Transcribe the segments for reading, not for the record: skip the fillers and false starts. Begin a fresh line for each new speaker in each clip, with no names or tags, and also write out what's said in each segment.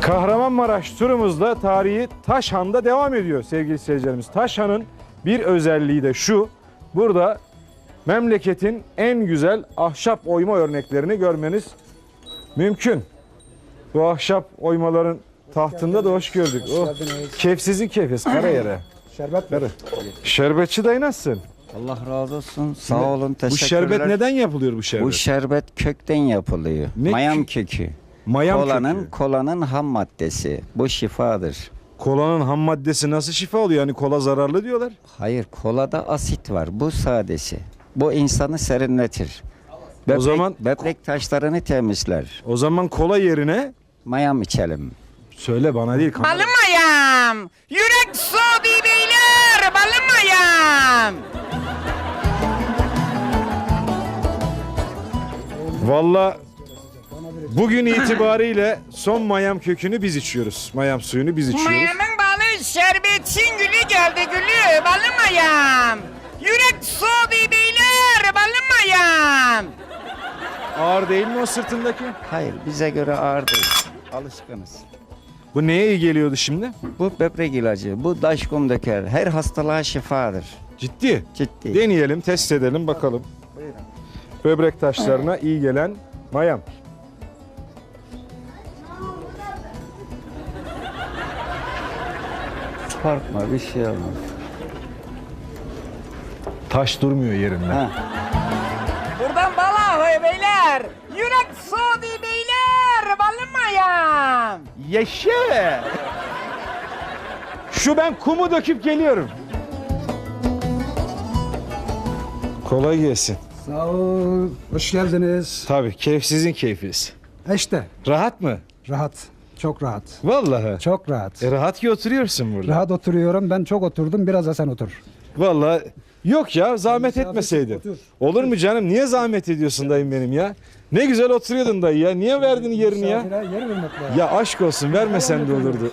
Kahramanmaraş turumuzda tarihi Taşhan'da devam ediyor sevgili seyircilerimiz. Taşhan'ın bir özelliği de şu. Burada memleketin en güzel ahşap oyma örneklerini görmeniz mümkün. Bu ahşap oymaların tahtında da hoş gördük. Oh, keyfsizin keyfiz kara yere.
Şerbet mi?
Şerbetçi dayı nasılsın?
Allah razı olsun. Sağ olun.
Bu
Teşekkürler.
şerbet neden yapılıyor bu şerbet?
Bu şerbet kökten yapılıyor.
Ne
Mayam
kö-
kökü.
Mayam
Kolanın
kökü.
kolanın ham maddesi. Bu şifadır.
Kolanın ham maddesi nasıl şifa oluyor? Yani kola zararlı diyorlar.
Hayır, kolada asit var. Bu sadesi. Bu insanı serinletir. Böbrek,
zaman-
böbrek taşlarını temizler.
O zaman kola yerine
Mayam içelim.
söyle bana değil. kamera-
Balım ayağım, yürek soğudu beyler, balım ayağım.
Valla bugün itibariyle son mayam kökünü biz içiyoruz. Mayam suyunu biz içiyoruz.
Mayamın balı şerbetin gülü geldi gülü, balım ayağım. Yürek soğudu beyler, balım ayağım.
Ağır değil mi o sırtındaki?
Hayır, bize göre ağır değil. Alışkınız.
Bu neye iyi geliyordu şimdi?
Bu böbrek ilacı, bu daşkum döker. Her hastalığa şifadır.
Ciddi.
Ciddi.
Deneyelim, test edelim bakalım. Böbrek taşlarına iyi gelen mayam.
Korkma, bir şey olmaz.
Taş durmuyor yerinde.
Ha.
Buradan bala hoy beyler, yürek soğudu beyler, balım ayağım.
Yaşa! Şu ben kumu döküp geliyorum. Kolay gelsin.
Sağ ol. Hoş geldiniz.
Tabii keyifsizin keyfiz.
İşte
Rahat mı?
rahat. Çok rahat.
Vallahi.
Çok rahat.
Rahat ki oturuyorsun burada.
Rahat oturuyorum. Ben çok oturdum. Biraz da sen otur.
Vallahi yok ya zahmet
Misafir
etmeseydin.
otur.
Olur mu canım? Niye zahmet ediyorsun dayım benim ya? Ne güzel oturuyordun dayı ya. Niye verdin yerini ya?
Misafire yer vermek lazım.
Ya aşk olsun vermesen de olurdu.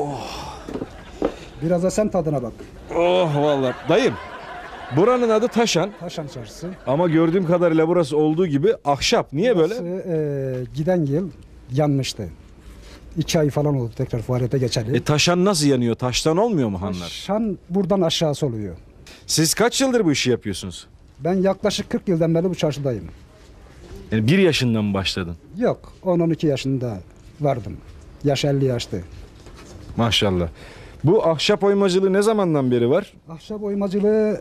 Biraz da sen tadına bak.
Oh vallahi. Dayım buranın adı Taşhan
Taşan Çarşısı.
ama gördüğüm kadarıyla burası olduğu gibi ahşap. Niye böyle?
Burası, giden yıl yanmıştı. 2 ay falan oldu tekrar faaliyete geçeli.
Taşhan nasıl yanıyor? Taştan olmuyor mu hanlar?
Taşan buradan aşağısı oluyor.
Siz kaç yıldır bu işi yapıyorsunuz?
Ben yaklaşık 40 yıldan beri bu çarşıdayım.
Yani 1 yaşından mı başladın?
Yok 10-12 yaşında vardım. Yaş 50 yaştı.
Maşallah. Bu ahşap oymacılığı ne zamandan beri var?
Ahşap oymacılığı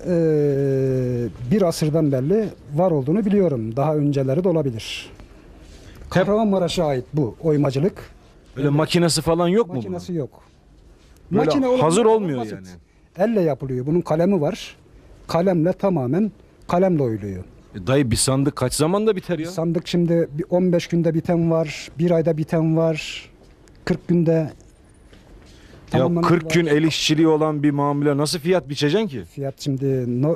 bir asırdan beri var olduğunu biliyorum. Daha önceleri de olabilir. Kahramanmaraş'a ait bu oymacılık.
Böyle makinesi falan yok mu
Makinesi yok.
Böyle
olan
hazır
ama
olmuyor
basit.
yani.
Elle yapılıyor. Bunun kalemi var. Kalemle tamamen kalemle oyuluyor.
Dayı bir sandık kaç zamanda biter ya?
Sandık şimdi 15 günde biten var. 1 ayda biten var. 40 günde
Ya
tamamlanan
40
var.
gün el işçiliği olan bir mamule nasıl fiyat biçeceksin ki?
Fiyat şimdi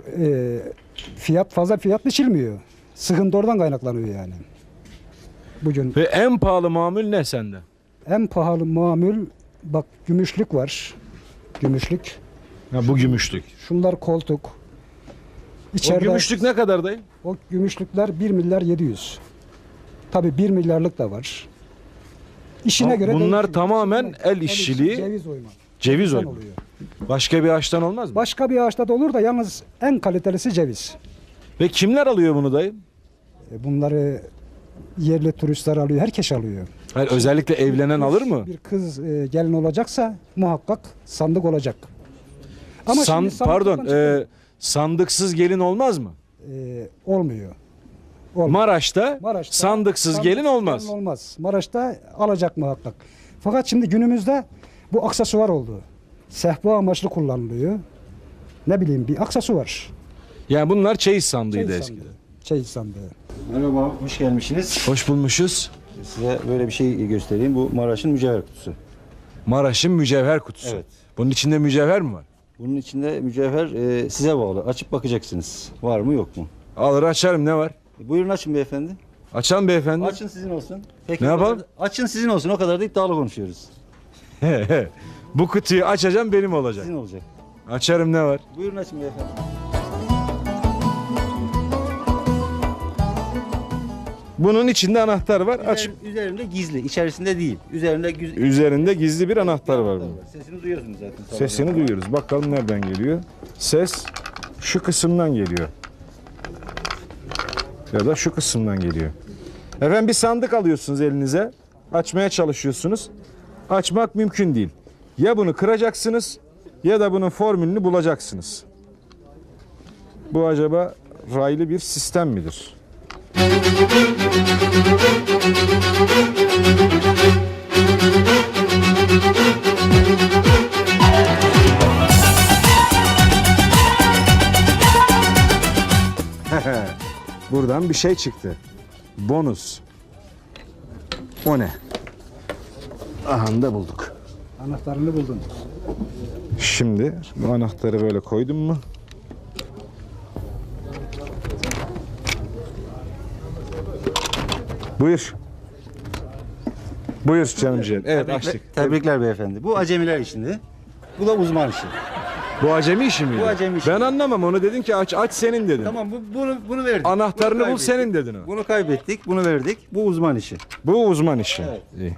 fiyat fazla fiyat biçilmiyor. Sıkıntı oradan kaynaklanıyor yani. Bugün
Ve en pahalı mamul ne sende?
en pahalı mamul bak gümüşlük var. Gümüşlük.
Ha, bu gümüşlük.
Şunlar koltuk.
O
İçeride
gümüşlük ne kadar dayı?
o gümüşlükler 1 milyar 700. Tabii 1 milyarlık da var. İşine
Ha,
göre
bunlar
değişiyor.
tamamen
İşine-
el işçiliği,
ceviz oyma.
ceviz
Cevizden
oyma.
oluyor.
Başka bir ağaçtan olmaz mı?
Başka bir ağaçta da olur da yalnız en kalitelisi ceviz.
Ve kimler alıyor bunu dayı?
Bunları yerli turistler alıyor, herkes alıyor.
Hayır, özellikle evlenen alır mı?
Bir kız gelin olacaksa muhakkak sandık olacak. Ama
San-
şimdi sandıktan
pardon,
çıkıyor.
sandıksız gelin olmaz mı?
Olmuyor.
Maraş'ta,
Maraş'ta
sandıksız gelin olmaz.
gelin olmaz. Maraş'ta alacak muhakkak. Fakat şimdi günümüzde bu aksesuar oldu. Sehpa amaçlı kullanılıyor. Ne bileyim bir aksesuar.
Yani bunlar çeyiz sandığıydı
Çeyiz
eskiden.
sandığı. Çeyiz sandığı.
Merhaba, hoş gelmişsiniz.
Hoş bulmuşuz.
Size böyle bir şey göstereyim. Bu Maraş'ın mücevher kutusu.
Maraş'ın mücevher kutusu.
Evet.
Bunun içinde mücevher mi var?
Bunun içinde mücevher size bağlı. Açıp bakacaksınız. Var mı yok mu?
Alır açarım, ne var?
Buyurun açın beyefendi.
Açalım beyefendi.
Açın sizin olsun. Peki,
Ne
o
yapalım?
kadar- Açın sizin olsun. O kadar da iddialı konuşuyoruz.
Bu kutuyu açacağım, benim olacak.
Sizin olacak.
Açarım, ne var?
Buyurun açın beyefendi.
Bunun içinde anahtar var. Aç.
Üzerinde gizli, içerisinde değil.
Üzerinde gizli bir anahtar var bunun.
Sesini duyuyorsunuz zaten.
Sesini duyuyoruz. Bakalım nereden geliyor? Ses şu kısımdan geliyor. Ya da şu kısımdan geliyor. Efendim bir sandık alıyorsunuz elinize. Açmaya çalışıyorsunuz. Açmak mümkün değil. Ya bunu kıracaksınız ya da bunun formülünü bulacaksınız. Bu acaba raylı bir sistem midir? Buradan bir şey çıktı. Bonus. O ne? Aha da bulduk.
Anahtarını buldun.
Şimdi bu anahtarı böyle koydum mu? Buyur. Buyur canım ciğerim. Evet açtık.
Tebrikler beyefendi. Bu acemiler işinde. Bu da uzman işi.
Bu acemi işi miydi?
Bu acemi işi.
Ben anlamam onu dedin ki aç senin dedin.
Tamam bunu verdik.
Anahtarını
Bunu
bul senin dedin o.
Bunu kaybettik, bunu verdik. Bu uzman işi.
Bu uzman işi.
Evet.
İyi.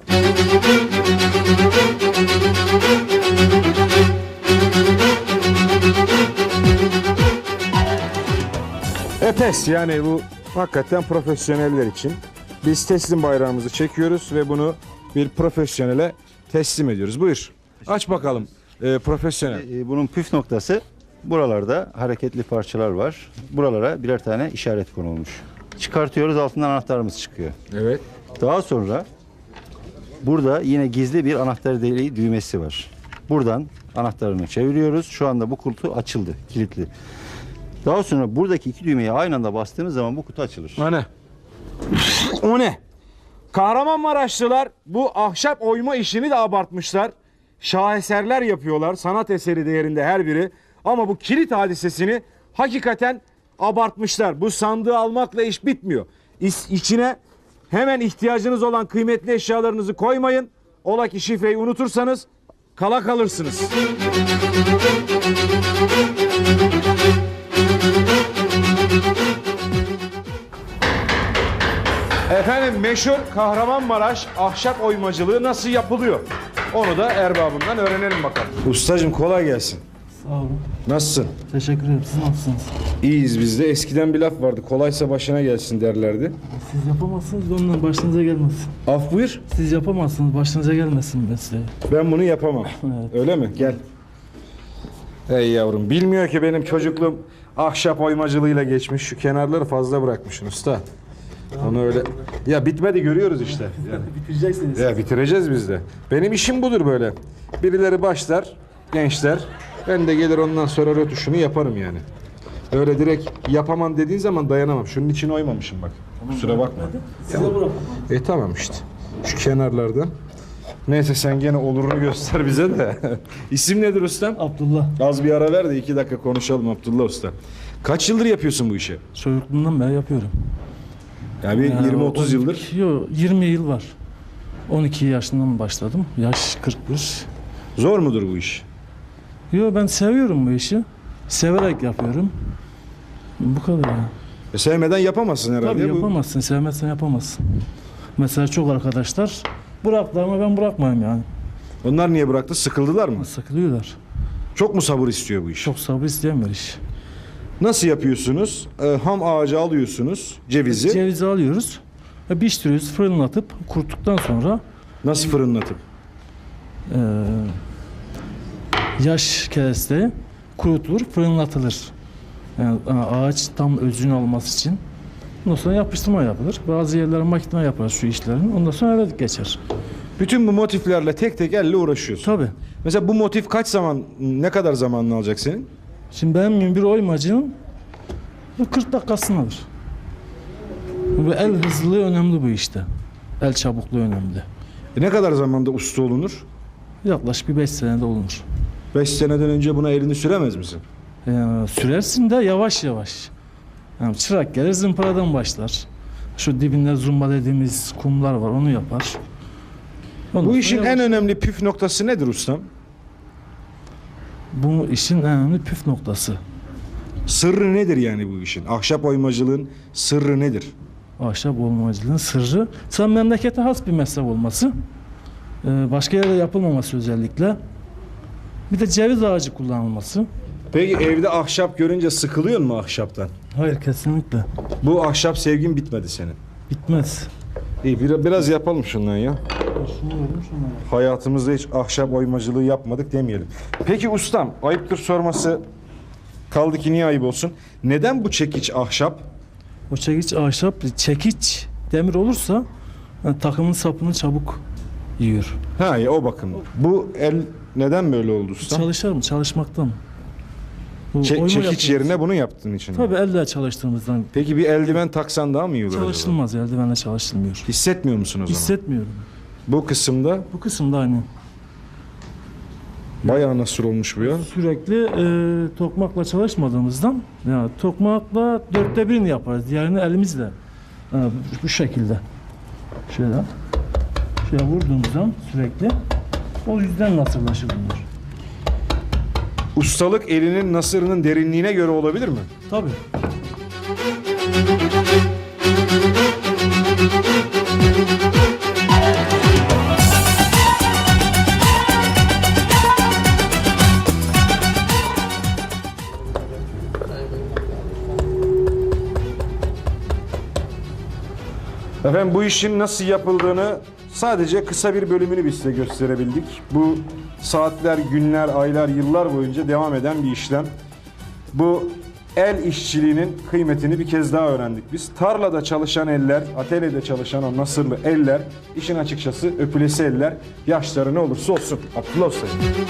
Epes yani bu hakikaten profesyoneller için. Biz teslim bayrağımızı çekiyoruz ve bunu bir profesyonele teslim ediyoruz. Buyur. Aç bakalım profesyonel.
Bunun püf noktası buralarda hareketli parçalar var. Buralara birer tane işaret konulmuş. Çıkartıyoruz, altından anahtarımız çıkıyor.
Evet.
Daha sonra burada yine gizli bir anahtar deliği düğmesi var. Buradan anahtarını çeviriyoruz. Şu anda bu kutu açıldı, kilitli. Daha sonra buradaki iki düğmeyi aynı anda bastığımız zaman bu kutu açılır.
O ne? O ne? Kahramanmaraşlılar bu ahşap oyma işini de abartmışlar. Şaheserler yapıyorlar. Sanat eseri değerinde her biri. Ama bu kilit hadisesini hakikaten abartmışlar. Bu sandığı almakla iş bitmiyor. İçine hemen ihtiyacınız olan kıymetli eşyalarınızı koymayın. Ola ki şifreyi unutursanız kala kalırsınız. Efendim meşhur Kahramanmaraş ahşap oymacılığı nasıl yapılıyor? Onu da erbabından öğrenelim bakalım. Ustacığım kolay gelsin.
Sağ olun.
Nasılsın?
Teşekkür ederim. Siz nasılsınız?
İyiyiz biz de. Eskiden bir laf vardı. Kolaysa başına gelsin derlerdi.
Siz yapamazsınız, ondan başınıza gelmesin.
Af buyur.
Siz yapamazsınız, başınıza gelmesin mesleği.
Ben bunu yapamam.
Evet.
Öyle mi? Gel. Ey yavrum. Bilmiyor ki benim çocukluğum ahşap oymacılığıyla geçmiş. Şu kenarları fazla bırakmışsın usta. Onu öyle... Ya bitmedi görüyoruz işte. Yani.
Bitireceksiniz.
Ya bitireceğiz biz de. Benim işim budur böyle. Birileri başlar, gençler. Ben de gelir ondan sonra rötuşunu yaparım yani. Öyle direkt yapamam dediğin zaman dayanamam. Şunun için oymamışım bak. Kusura bakma.
Size bırak.
Tamam işte. Şu kenarlardan. Neyse sen gene olurunu göster bize de. İsim nedir ustam?
Abdullah.
Az bir ara ver de 2 dakika konuşalım Abdullah usta. Kaç yıldır yapıyorsun bu işi?
Çocukluğumdan beri yapıyorum.
Ya bir 20-30 yıldır.
Yok, 20 yıl var. 12 yaşından başladım. Yaş 41.
Zor mudur bu iş?
Yok, ben seviyorum bu işi. Severek yapıyorum. Bu kadar ya.
Sevmeden yapamazsın herhalde.
Tabii
Bu-
yapamazsın, sevmezsen yapamazsın. Mesela çok arkadaşlar bıraktılar ama ben bırakmayayım yani.
Onlar niye bıraktı? Sıkıldılar mı?
Sıkılıyorlar.
Çok mu sabır istiyor bu iş?
Çok sabır isteyen bir iş.
Nasıl yapıyorsunuz? Ham ağacı alıyorsunuz, cevizi.
Cevizi alıyoruz, pişiriyoruz, fırınlatıp kuruttuktan sonra
Nasıl fırınlatıp?
eee, yaş kereste kurutulur, fırınlatılır. Yani ağaç tam özünü alması için. Ondan sonra yapıştırma yapılır. Bazı yerlere makine yapar şu işlerin. Ondan sonra eve geçer.
Bütün bu motiflerle tek tek elle uğraşıyorsun.
Tabii.
Mesela bu motif kaç zaman, ne kadar zamanını alacak senin?
Şimdi benim bir oymacının 40 dakikasını alır. Bu el hızlılığı önemli bu işte. El çabukluğu önemli.
Ne kadar zamanda usta olunur?
Yaklaşık bir 5 senede olunur.
5 seneden önce buna elini süremez misin?
Sürersin de yavaş yavaş. Yani çırak gelir zımparadan başlar. Şu dibinde zumba dediğimiz kumlar var, onu yapar. Ondan
Bu
sonra
işin
yavaş-
en önemli püf noktası nedir ustam?
Bu işin en önemli püf noktası.
Sırrı nedir yani bu işin? Ahşap oymacılığın sırrı nedir?
ahşap oymacılığın sırrı. Sen memlekete has bir meslek olması. Başka yerde yapılmaması özellikle. Bir de ceviz ağacı kullanılması.
Peki evde ahşap görünce sıkılıyor mu ahşaptan?
Hayır, kesinlikle.
Bu ahşap sevgin bitmedi senin.
Bitmez.
İyi biraz yapalım şundan ya. Hayatımızda hiç ahşap oymacılığı yapmadık demeyelim. Peki ustam, ayıptır sorması, kaldı ki niye ayıp olsun? Neden bu çekiç ahşap?
O çekiç ahşap, çekiç demir olursa takımın sapını çabuk yiyor.
Ha ya, o bakım. Bu el neden böyle oldu ustam?
Çalışır mı? Çalışmaktan. Bu oyma
Çekiç
yapıyoruz.
yerine bunu yaptığın için. mi?
Tabii elle çalıştığımızdan
Peki bir eldiven taksan daha mı iyi olur acaba?
çalışılmaz. Eldivenle çalışılmıyor.
Hissetmiyor musun o zaman?
Hissetmiyorum.
Bu kısımda
Bu kısımda aynı.
bayağı nasıl olmuş bu ya?
Sürekli tokmakla çalışmadığımızdan ya tokmakla 1/4'ünü yaparız. Diğerini elimizle. Bu şekilde. Şöyle vurduğumuz zaman sürekli o yüzden nasırlaşır bunlar.
Ustalık elinin nasırının derinliğine göre olabilir mi?
Tabii.
Efendim, bu işin nasıl yapıldığını sadece kısa bir bölümünü biz size gösterebildik. Bu saatler, günler, aylar, yıllar boyunca devam eden bir işlem. Bu el işçiliğinin kıymetini bir kez daha öğrendik biz. Tarlada çalışan eller, atölyede çalışan o nasırlı eller, işin açıkçası öpülesi eller, yaşları ne olursa olsun. Abdullah Usta.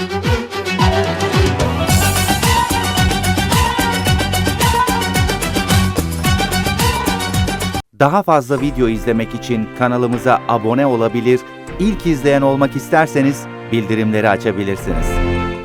Daha fazla video izlemek için kanalımıza abone olabilir, ilk izleyen olmak isterseniz bildirimleri açabilirsiniz.